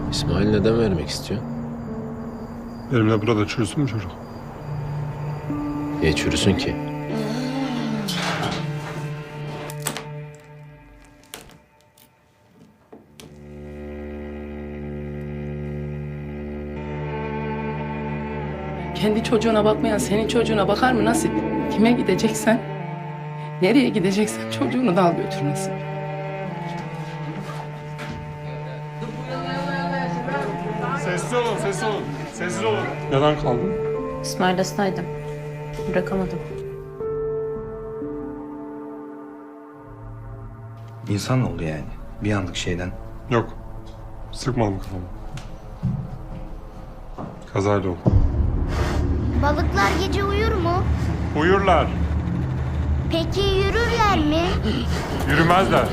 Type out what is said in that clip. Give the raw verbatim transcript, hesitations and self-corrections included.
İsmail neden vermek istiyor? Benimle burada çürüsün mü çocuk? Niye çürüsün ki? Kendi çocuğuna bakmayan senin çocuğuna bakar mı Nasip? Kime gideceksen, nereye gideceksen çocuğunu da al götür Nasip. Sessiz olun, sessiz olun. Sessiz olun. Neden kaldın? İsmail hastaydım. Bırakamadım. İnsan oldu yani. Bir anlık şeyden. Yok. Sıkmadım kafamı. Kazayla oldu. Balıklar gece uyur mu? Uyurlar. Peki yürürler mi? Yürümezler.